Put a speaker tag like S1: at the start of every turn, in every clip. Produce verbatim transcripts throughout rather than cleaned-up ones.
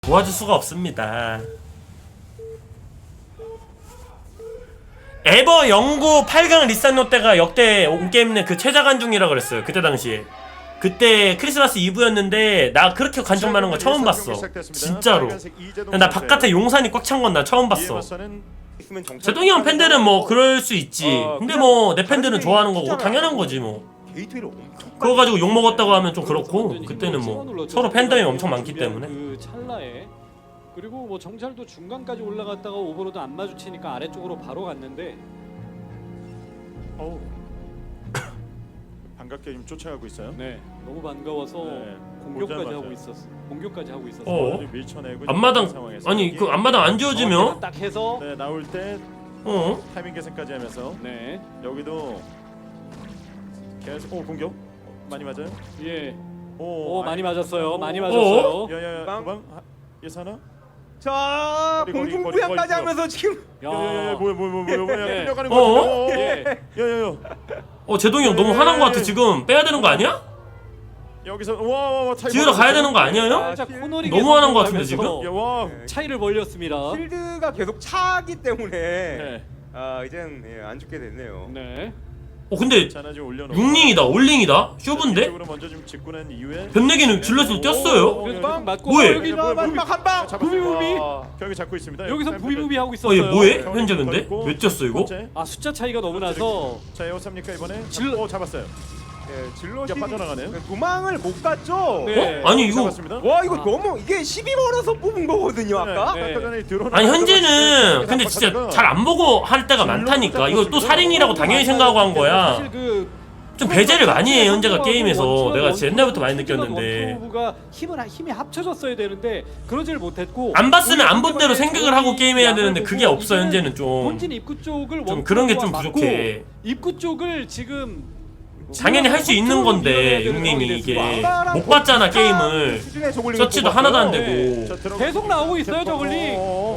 S1: 도와줄 수가 없습니다. 에버 영구 팔 강 리산노 때가 역대 온게임 내 그 최다 관중이라 그랬어요. 그때 당시에. 그때 크리스마스 이브였는데 나 그렇게 관중 많은 거 처음 봤어. 진짜로. 나 바깥에 용산이 꽉 찬 건 나 처음 봤어. 제동이 형 팬들은 뭐 그럴 수 있지. 근데 뭐 내 팬들은 좋아하는 거고 당연한 거지 뭐. 그거 가지고 욕 먹었다고 하면 좀 그렇고, 그때는 뭐 서로 팬덤이 엄청 많기 때문에.
S2: 그 찰나에 그리고 뭐 정찰도 중간까지 올라갔다가 오버로드 안 마주치니까 아래쪽으로 바로 갔는데
S3: 어우. 반갑게 좀 쫓아가고 있어요.
S2: 네 너무 반가워서
S3: 네,
S2: 공격까지
S3: 보자마자.
S2: 하고 있었어. 공격까지 하고 있었어.
S1: 어?
S3: 밀쳐내고
S1: 앞마당
S3: 상황에서
S1: 아니
S3: 여기,
S1: 그 앞마당 안 지워지면
S2: 딱 해서
S3: 네, 나올 때
S1: 어?
S3: 타이밍 계산까지 하면서
S2: 네
S3: 여기도 계속 오 공격 어, 많이 맞아요?
S2: 예.
S3: 오,
S2: 오 많이 맞았어요.
S3: 오,
S2: 많이
S3: 오,
S2: 맞았어요.
S3: 야야야
S4: 빵.
S3: 도방 예사나?
S4: 자,
S3: 거리, 거리,
S4: 공중부양까지
S3: 거리, 거리.
S4: 하면서 지금
S3: 야야야 뭐야 뭐야 뭐야 뭐야
S2: 네.
S3: 끌려가는
S1: 어?
S3: 거 같아.
S2: 예.
S3: 야야야
S1: 어 제동이 형 너무 화난 거 같아. 지금 빼야 되는 거 아니야?
S3: 여기서 와와와
S1: 지으러 가야 되는 거 아니에요?
S2: 살짝 코너링에
S1: 너무 화난 거 같은데,
S2: 성공하면서
S3: 야와
S2: 차이를 벌렸습니다.
S4: 필드가 계속 차기 때문에
S3: 네.
S4: 아 이젠 예, 안 죽게 됐네요.
S2: 네.
S1: 어 근데
S3: 자나 지금 올려놓고
S1: 육링이다 올링이다 쇼브인데?
S3: 쪽으로 먼저 좀 짚고 난 이후에
S1: 변내기는 질럿으로 뛰었어요?
S2: 그래서
S3: 어,
S2: 좀 맞고
S1: 뭐해?
S2: 여기
S3: 뭐야, 뭐야,
S4: 마지막 한 방.
S2: 부비부비.
S3: 경기 잡고 있습니다.
S2: 여기서
S3: 여기
S2: 부비부비 하고
S1: 어
S2: 있었어요.
S1: 얘 뭐해? 현재 근데? 왜 뛰었어 이거?
S3: 번째.
S2: 아 숫자 차이가 너무 나서
S3: 자 에어삽니까 이번에?
S2: 질-
S3: 오 잡았어요.
S4: 예, 질럿이
S3: 야, 빠져나가네요.
S4: 도망을 못 갔죠.
S2: 네.
S1: 어? 아니 이거
S3: 잡았습니다.
S4: 와 이거
S2: 아.
S4: 너무 이게 십이 번에서 뽑은 거거든요 아까.
S2: 네.
S3: 아까 전에 드론
S1: 아니 현재는 근데 진짜 잘 안 보고 할 때가 많다니까. 이거 또 살인이라고 당연히 생각하고 한 거야.
S2: 사실 그
S1: 좀 배제를 많이 해 현재가 게임에서. 내가 진짜 옛날부터 많이 느꼈는데
S2: 원투가 힘을 힘이 합쳐졌어야 되는데 그러질 못했고
S1: 안 봤으면 안 본 대로 생각을 하고 게임해야 되는데 그게 없어 현재는 좀.
S2: 본진 입구 쪽을
S1: 좀 그런 게 좀
S2: 원투가
S1: 부족해.
S2: 맞고 입구 쪽을 지금
S1: 당연히 할 수 있는 건데 육님이 이게 못 봤잖아 게임을. 서치도 하나도 안 되고.
S2: 계속 나오고 있어요, 저글링.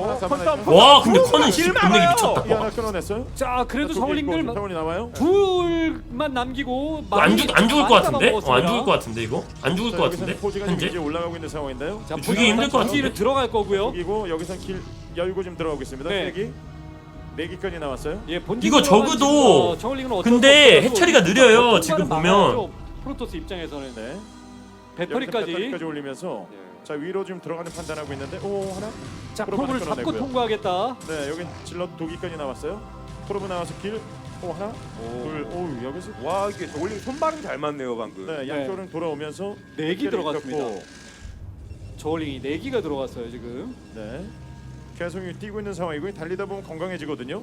S1: 와 근데 커는 씨 분내기 미쳤다.
S3: 이 하나 끊어냈어요.
S2: 자 그래도 저글링들
S3: 타원이 나와요.
S2: 둘만 남기고
S1: 안 죽 안 죽을 것 같은데?
S2: 많이
S1: 어, 안 죽을
S2: 잡아먹었습니다.
S1: 것 같은데 이거? 안 죽을 것 같은데?
S3: 포지가 지금
S1: 현재?
S3: 이제 올라가고 있는 상황인데요.
S2: 자,
S1: 죽이기 힘들 것 같은데?
S2: 뒤로 들어갈 거고요.
S3: 그리고 여기서 길 열고 지금 들어가고 있습니다.
S2: 네.
S3: 세기 네 기까지 나왔어요.
S2: 예, 본진
S1: 이거
S2: 들어간
S1: 적어도
S2: 지금, 어, 저글링은 어쩔
S1: 근데
S2: 수 없어요.
S1: 해처리가 느려요,
S2: 통과를
S1: 지금
S2: 막아야죠.
S1: 보면.
S2: 프로토스 입장에서는
S3: 네.
S2: 배터리까지
S3: 배터리까지 올리면서
S4: 예.
S3: 자 위로 지금 들어가는 판단하고 있는데 오 하나.
S2: 자
S3: 프로브
S2: 프로브를
S3: 하나
S2: 잡고
S3: 끊어내고요.
S2: 통과하겠다.
S3: 네 여기 질럿 두 기까지 나왔어요. 프로브 나와서 길. 오 하나. 둘. 오 여기서.
S4: 와 이게 저글링 손발음 잘 맞네요 방금.
S3: 네 양쪽은 돌아오면서
S2: 네기
S3: 길을
S2: 들어갔습니다.
S3: 겼고,
S2: 저글링이 네 기가 들어갔어요 지금.
S3: 네. 계속 뛰고 있는 상황이고 달리다 보면 건강해지거든요.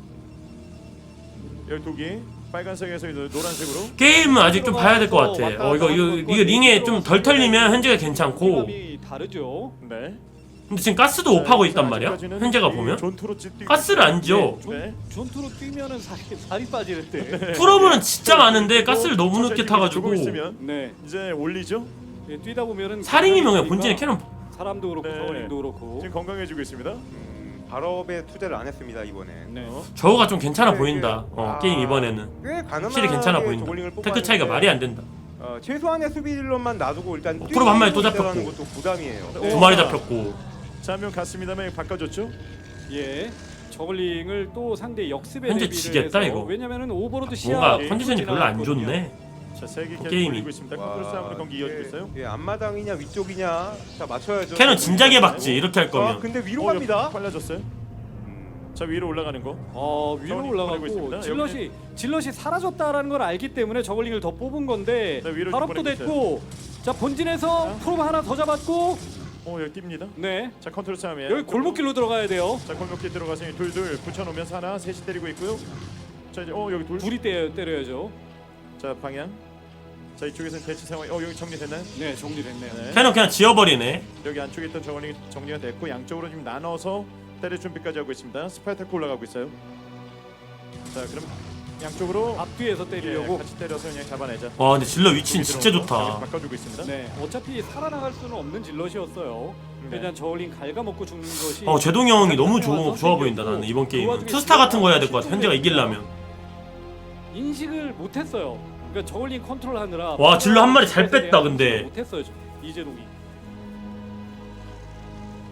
S3: 열두 기 빨간색에서 이제 노란색으로.
S1: 게임은 아직 좀 봐야 될 것 같아. 어 이거 이거, 이거 링에 좀 덜 털리면 현재가 괜찮고.
S2: 감이 다르죠.
S3: 네.
S1: 근데 지금 가스도 오파고 있단 말이야. 현재가 보면
S3: 존투로 뛰고
S1: 가스를 안 지어.
S3: 네.
S2: 전투로 뛰면은 살이, 살이 빠지는데.
S1: 프로브는 진짜 많은데 가스를 너무 늦게 타가지고.
S3: 주고 있으면
S2: 네.
S3: 이제 올리죠.
S2: 예, 뛰다 보면은
S1: 살인이면 본진에 캐논.
S2: 사람도 그렇고
S3: 네.
S2: 저글링도 그렇고.
S3: 지금 건강해지고 있습니다.
S4: 음, 발업에 투자를 안 했습니다 이번에.
S2: 네.
S3: 어?
S1: 저거가 좀 괜찮아
S4: 네,
S1: 보인다.
S4: 네.
S1: 어
S4: 아,
S1: 게임 이번에는
S4: 꽤 가능하게
S1: 확실히 괜찮아 보인다.
S4: 저글링을
S1: 테크 차이가
S4: 뽑았는데,
S1: 말이 안 된다.
S4: 어, 최소한의 수비질럿만 놔두고 일단
S1: 어, 프로브 한 마리 또
S4: 뛰고 있다는
S1: 잡혔고.
S4: 것도 부담이에요.
S3: 네.
S1: 두 마리 잡혔고.
S3: 자, 한 명 갔습니다만 바꿔줬죠.
S2: 예. 저글링을 또 상대 역습에
S1: 현재
S2: 대비를
S1: 지겠다,
S2: 해서
S1: 이거.
S2: 왜냐면은 오버로드 시야
S1: 뭔가 컨디션이 별로 안 좋네.
S3: 자, 세개 계속
S1: 게임이.
S3: 올리고 있습니다. 컨트롤 싸움으로 경기 이어지고
S4: 이게,
S3: 있어요.
S4: 예, 앞마당이냐 위쪽이냐 자 맞춰야죠.
S1: 캐논 진작에 박지 이렇게 할
S4: 아,
S1: 거면.
S4: 근데 위로
S3: 어,
S4: 갑니다.
S3: 빨라졌어요.
S4: 음,
S3: 자, 위로 올라가는 거.
S2: 어 위로
S3: 저글링 보내고
S2: 올라가고
S3: 있습니다.
S2: 질럿이 질럿이 사라졌다라는 걸 알기 때문에 저글링을 더 뽑은 건데
S3: 네, 위로 좀
S2: 발업도
S3: 보내고
S2: 됐고 자 본진에서
S3: 자.
S2: 프로브 하나 더 잡았고
S3: 어, 여기 뜁니다.
S2: 네
S3: 자, 컨트롤 싸움이에요.
S2: 여기 골목길로 들어가야 돼요.
S3: 자, 골목길 들어가서 둘둘 붙여놓으면서 하나, 셋이 때리고 있고요. 자, 이제 어 여기 둘.
S2: 둘이 때려, 때려야죠.
S3: 자, 방향. 자, 이쪽에서는 배치 상황. 어, 여기 정리됐나요?
S2: 네 정리됐네요.
S3: 네.
S1: 캐논 그냥 지워버리네.
S3: 여기 안쪽에 있던 저글링이 정리가 됐고 양쪽으로 지금 나눠서 때릴 준비까지 하고 있습니다. 스파이타크 올라가고 있어요. 자, 그럼 양쪽으로
S2: 앞뒤에서
S3: 예,
S2: 때리려고.
S3: 같이 때려서 그냥 잡아내자.
S1: 와 근데 질러 위치는
S3: 여기
S1: 진짜
S3: 들어오면서
S1: 좋다.
S3: 여기 바꿔주고 있습니다.
S2: 네 어차피 살아나갈 수는 없는 질럿이었어요.
S3: 네.
S2: 그냥 저글링 갉아먹고 죽는 것이.
S1: 어 제동이 형이 너무
S2: 좋아
S1: 좋아, 좋아 보인다 나는 이번 게임은. 투스타 같은 거 해야 될 것 같아 현재가 이기려면.
S2: 인식을 못했어요. 그러니까 저글링 컨트롤하느라.
S1: 와, 질러 한 마리 잘 뺐다, 근데.
S2: 못했어요 저- 이재동이.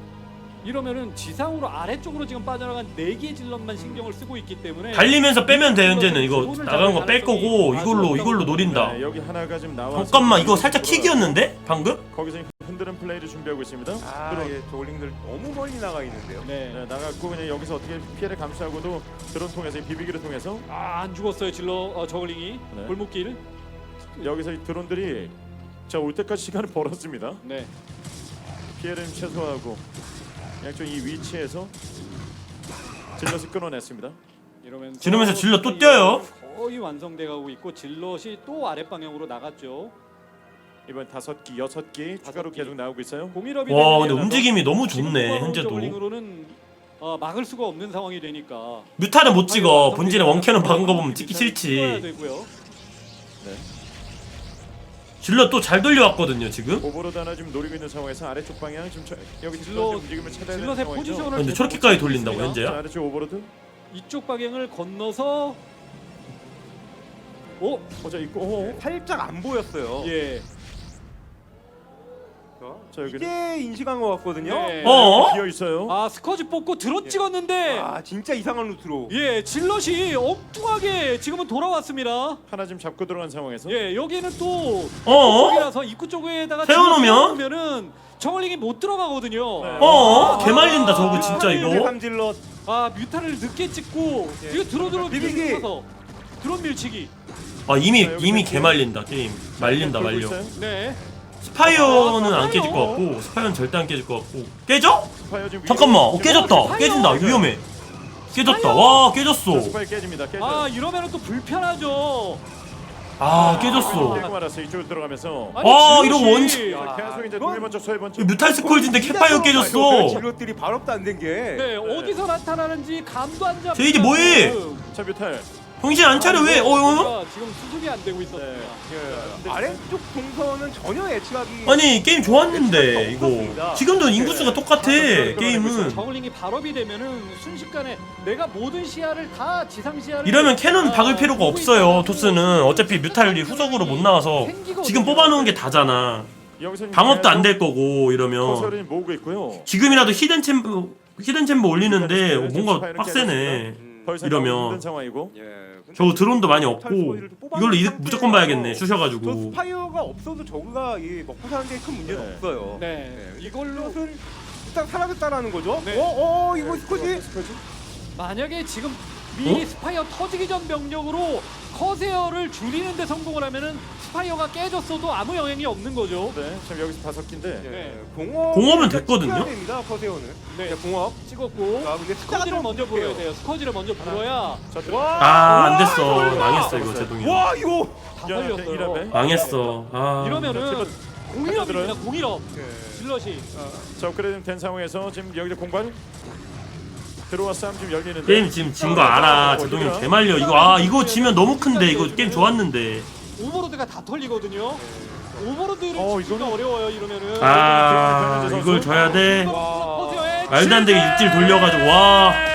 S2: 이러면은 지상으로 아래쪽으로 지금 빠져나간 네 개의 질럿만 신경을 쓰고 있기 때문에
S1: 달리면서 빼면 돼. 현재는 이거 나간 거 뺄 거고 이걸로 이걸로 노린다.
S3: 네, 여기 하나가 지금 나와서
S1: 잠깐만 이거 살짝 킥이었는데 방금?
S3: 거기서 흔드는 플레이를 준비하고 있습니다.
S4: 아,
S3: 드론.
S4: 예, 저글링들 너무 멀리 나가 있는데요.
S2: 네.
S3: 네, 나갔고 그냥 여기서 어떻게 피해를 감수하고도 드론 통해서 이 비비기를 통해서
S2: 아, 안 죽었어요 질러 어, 저글링이
S3: 네.
S2: 골목길.
S3: 여기서 이 드론들이 자 올 때까지 시간을 벌었습니다.
S2: 네.
S3: 피해를 좀 최소화하고 양쪽 이 위치에서 질럿을 끊어냈습니다.
S2: 이러면서
S1: 지르면서 질럿 또 뛰어요.
S2: 거의 완성돼 가고 있고 질럿이 또 아랫 방향으로 나갔죠.
S3: 이번 다섯 기, 여섯 기 추가로
S2: 기.
S3: 계속 나오고 있어요.
S2: 공일업이
S1: 와
S2: 되면
S1: 근데 움직임이 너무
S2: 지금
S1: 좋네
S2: 뽑아놓은
S1: 현재도.
S2: 저글링으로는 어, 막을 수가 없는 상황이 되니까.
S1: 뮤타는 못 찍어. 본진에 원캐는 박은 거 보면 찍기
S2: 찍어야
S1: 싫지.
S2: 되고요.
S3: 네.
S1: 질러 또 잘 돌려왔거든요 지금.
S3: 오버로드 하나 지금 노리고 있는 상황에서 아래쪽 방향 지금 저, 여기
S2: 질럿-
S3: 질럿 움직임을 찾아야 되는
S2: 질럿의
S3: 상황이죠.
S2: 포지션을
S1: 근데
S2: 계속
S1: 저렇게까지
S2: 보고
S1: 돌린다고
S2: 있습니다.
S1: 현재야?
S3: 자, 아래쪽 오버로드
S2: 이쪽 방향을 건너서 오,
S3: 어자 있고 오.
S4: 살짝 안 보였어요.
S2: 예.
S3: 자 여기
S4: 이제 인식한 것 같거든요.
S2: 네.
S1: 어?
S3: 비어 있어요.
S2: 아, 스커지 뽑고 드론
S4: 예.
S2: 찍었는데
S4: 아, 진짜 이상한 루트로.
S2: 예, 질럿이 엉뚱하게 지금은 돌아왔습니다.
S3: 하나 지금 잡고 들어간 상황에서
S2: 예, 여기는 또
S1: 어?
S2: 쪽이라서 입구 쪽에다가
S1: 세워놓으면?
S2: 세워놓으면은 저글링이 못 들어가거든요.
S3: 네.
S1: 어?
S2: 아,
S1: 개말린다 저거 진짜
S2: 아,
S1: 이거.
S4: 삼질럿.
S2: 아, 뮤타를 늦게 찍고
S4: 예.
S2: 이거 드론으로
S4: 비비기.
S2: 밀쳐서 드론 밀치기.
S1: 아 이미
S3: 자, 여기
S1: 이미
S3: 지금
S1: 개말린다 게임. 말린다
S3: 돌고
S1: 말려.
S3: 있어요.
S2: 네.
S1: 스파이어는
S2: 아,
S1: 안 깨질 것 같고 스파이어는 절대 안 깨질 것 같고. 깨져?
S3: 스파이어 지금
S1: 잠깐만.
S3: 위로-
S1: 어 깨졌다.
S2: 스파이어!
S1: 깨진다. 위험해. 깨졌다.
S2: 스파이어!
S1: 와
S3: 자,
S1: 깨졌어.
S3: 스파이어 깨집니다. 깨져.
S2: 아, 이러면은 또 불편하죠.
S1: 아 깨졌어.
S3: 깨고 말았어요. 이쪽으로 들어가면서.
S2: 아니,
S1: 와,
S2: 질럿이-
S1: 이거 원-
S3: 자, 계속 이제
S4: 이건-
S3: 동일 번쩍 서해 번쩍.
S1: 이거 뮤탈 스콜지인데 캐파이어 깨졌어.
S4: 질럿들이 발업도 안 된 게.
S2: 네, 어디서 나타나는지 감도 안 잡혀.
S1: 제이디 뭐해?
S3: 자 뮤탈.
S1: 정신 안 차려 왜? 어 어?
S2: 지금 수습이 안 되고 있었습니다.
S3: 네.
S4: 아래쪽 동선은 전혀 예측하기.
S1: 아니 게임 좋았는데 이거. 지금도 인구수가 똑같아 게임은.
S2: 저글링이 발업이 되면은 순식간에 내가 모든 시야를 다 지상 시야를
S1: 이러면 캐논
S2: 아,
S1: 박을 필요가
S2: 보고
S1: 없어요.
S2: 있다는
S1: 토스는 어차피 뮤탈이 후속으로 못 나와서 지금 뽑아놓은 게 다잖아.
S3: 여기서
S1: 방업도 안 될 거고 이러면
S3: 커서를 모으고 있고요.
S1: 지금이라도 히든 챔버 히든 챔버 올리는데 뭔가 빡세네.
S3: 더 이상
S1: 이러면.
S3: 나오기 힘든 상황이고.
S4: 예.
S1: 저거 드론도 많이 없고 이걸로 이득 무조건 봐야겠네.
S4: 저
S1: 쑤셔가지고.
S4: 스파이어가 없어도 저그가 이 먹고 사는 데 큰 문제는
S3: 네.
S4: 없어요.
S2: 네.
S4: 이걸로 는 일단 사라졌다라는 거죠.
S2: 네.
S4: 어, 어, 이거 스코지.
S2: 만약에 지금 미리
S1: 어?
S2: 스파이어 터지기 전 병력으로 커세어를 줄이는 데 성공을 하면은 스파이어가 깨졌어도 아무 영향이 없는 거죠.
S3: 네. 지금 여기서 다섯 기인데.
S2: 네.
S4: 공업.
S1: 공업은 됐거든요?
S4: 됩니다. 커세어는.
S2: 네.
S4: 네, 공업.
S2: 찍었고
S4: 아, 근데 숫자가
S2: 스커지를
S4: 좀
S2: 먼저
S4: 부족해요.
S2: 불어야 돼요. 스커지를 먼저 불어야
S3: 자 들어.
S1: 아 안
S4: 와,
S1: 됐어.
S4: 설마.
S1: 망했어 이거 제동이.
S4: 와, 이거.
S2: 다
S3: 야,
S2: 살렸어요.
S3: 이러네.
S1: 망했어. 아.
S2: 이러면은 공일업입니다.
S3: 들어요?
S2: 공일업.
S4: 네.
S2: 질럿이
S3: 자 업그레이드 된 상황에서 지금 여기서 공간 들어와 싸움 지금 열리는데.
S1: 게임 지금 진 거 알아. 제동이 개말려. 이거 아 이거 지면 너무 큰데 이거 게임 좋았는데.
S2: 오버로드가 다 털리거든요. 오버로드를
S3: 어,
S2: 진짜
S3: 이거는-
S2: 어려워요. 이러면은.
S1: 아 이걸 져야 돼.
S2: 커세어의
S1: 말도 안 되게
S2: 실패!
S1: 육질 돌려가지고 와.